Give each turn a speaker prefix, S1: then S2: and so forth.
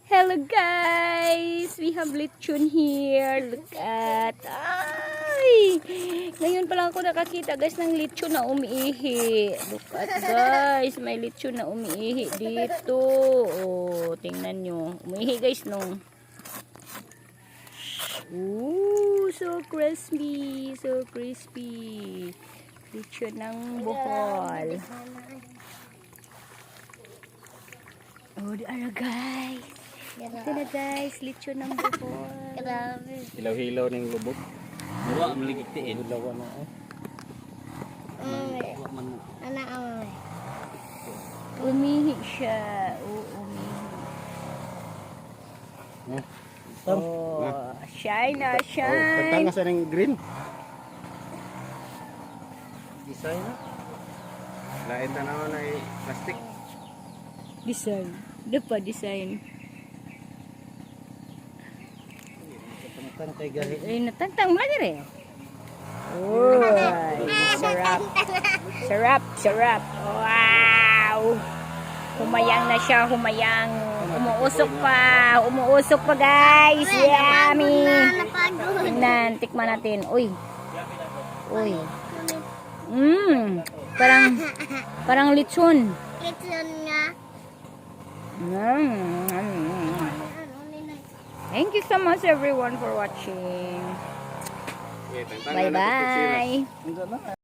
S1: Hello guys! We have lechon here. Look at. Ay! Ngayon pa lang ako nakakita guys ng lechon na umiihi. Look at guys. May lechon na umiihi dito. Oh, tingnan nyo. Umiihi guys no. Ooh, so crispy. So crispy. Lechon ng Bohol. Oh, di ara guys. Ito na guys, lechon ng Bohol.
S2: Hilaw-hilaw ng lubog. Mura maligigtiin. Hilaw na
S1: Umihi siya. Umihi. Oh, shine na, shine.
S2: Tantanga sa ng green. Design na. Lain na naman ay plastic.
S1: Design. Ito pa, design.
S2: Tantang kay gali.
S1: Ay, natantang mo na rin. Oh, sarap. Sarap, sarap. Wow! Humayang na siya, humayang. Umuusok pa. Umuusok pa guys. Yummy. Tingnan, tikman natin. Uy. Uy. Parang lechon.
S3: Lechon nga.
S1: Thank you so much everyone for watching. Bye bye.